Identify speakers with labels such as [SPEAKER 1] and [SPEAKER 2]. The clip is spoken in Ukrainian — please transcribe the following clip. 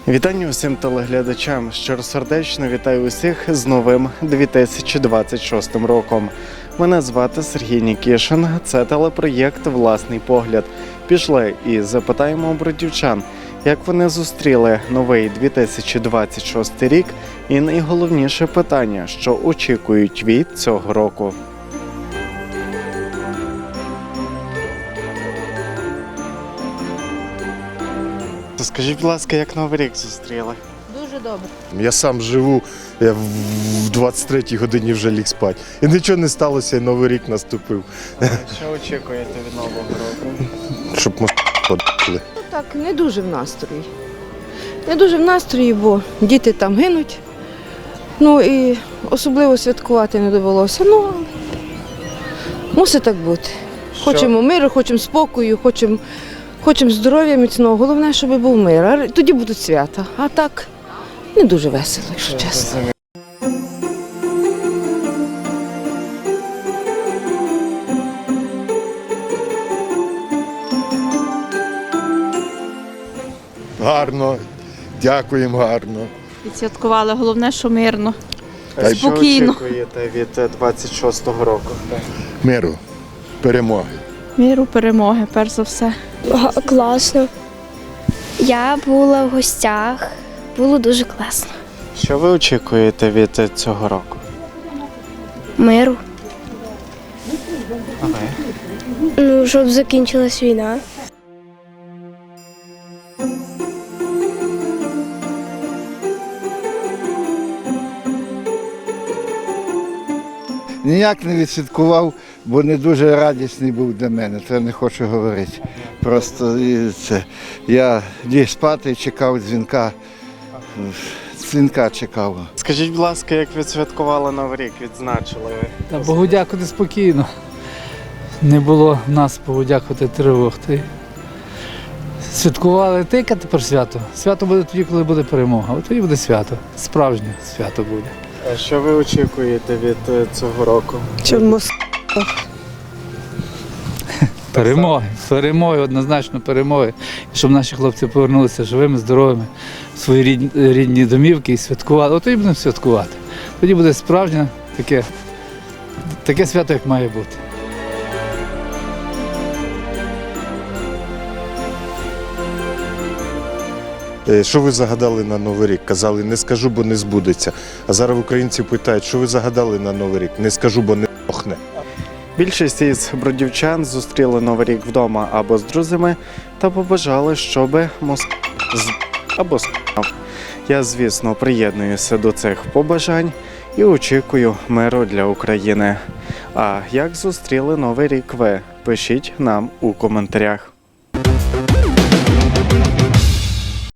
[SPEAKER 1] Вітання усім телеглядачам. Щиросердечно вітаю усіх з новим 2026 роком. Мене звати Сергій Нікішин. Це телепроєкт «Власний погляд». Пішли і запитаємо бродівчан, як вони зустріли новий 2026 рік і найголовніше питання, що очікують від цього року. Скажіть, будь ласка, як Новий рік зустріли?
[SPEAKER 2] Дуже добре.
[SPEAKER 3] Я сам живу, я в 23-й годині вже ліг спати. І нічого не сталося, і Новий рік наступив.
[SPEAKER 1] Що очікуєте від Нового року?
[SPEAKER 3] Щоб ми ходили.
[SPEAKER 2] Так, не дуже в настрої. Не дуже в настрої, бо діти там гинуть. Ну і особливо святкувати не довелося. Ну, але мусить так бути. Хочемо миру, хочемо спокою, хочемо здоров'я міцного. Головне, щоб був мир. А тоді будуть свята. А так не дуже весело, якщо чесно.
[SPEAKER 3] Гарно, дякуємо гарно.
[SPEAKER 4] Відсвяткували, головне, що мирно.
[SPEAKER 1] А що
[SPEAKER 4] Спокійно.
[SPEAKER 1] очікуєте від 26-го року?
[SPEAKER 3] Миру, перемоги.
[SPEAKER 4] Миру, перемоги, перш за все.
[SPEAKER 5] Класно. Я була в гостях, було дуже класно.
[SPEAKER 1] Що ви очікуєте від цього року?
[SPEAKER 5] Миру.
[SPEAKER 1] А ви?
[SPEAKER 5] Ну, щоб закінчилась війна.
[SPEAKER 6] Ніяк не відсвяткував, бо не дуже радісний був для мене, це не хочу говорити. Просто це, я ліг спати, чекав дзвінка чекав.
[SPEAKER 1] Скажіть, будь ласка, як відсвяткували Новий рік, відзначили ви?
[SPEAKER 7] Та Богу дякувати спокійно. Не було в нас, Богу дякувати, тривог. Святкували яке тепер свято. Свято буде тоді, коли буде перемога. От тоді буде свято. Справжнє свято буде.
[SPEAKER 1] А що ви очікуєте від цього року?
[SPEAKER 7] Перемоги, однозначно перемоги. І щоб наші хлопці повернулися живими, здоровими в свої рідні домівки і святкували. От тоді будемо святкувати. Тоді буде справжнє таке свято, як має бути.
[SPEAKER 3] Що ви загадали на Новий рік? Казали, не скажу, бо не збудеться. А зараз українці питають, що ви загадали на Новий рік? Не скажу, бо не охне.
[SPEAKER 1] Більшість із бродівчан зустріли Новий рік вдома або з друзями та побажали, щоб або с***ав. Я, звісно, приєднуюся до цих побажань і очікую миру для України. А як зустріли Новий рік ви? Пишіть нам у коментарях.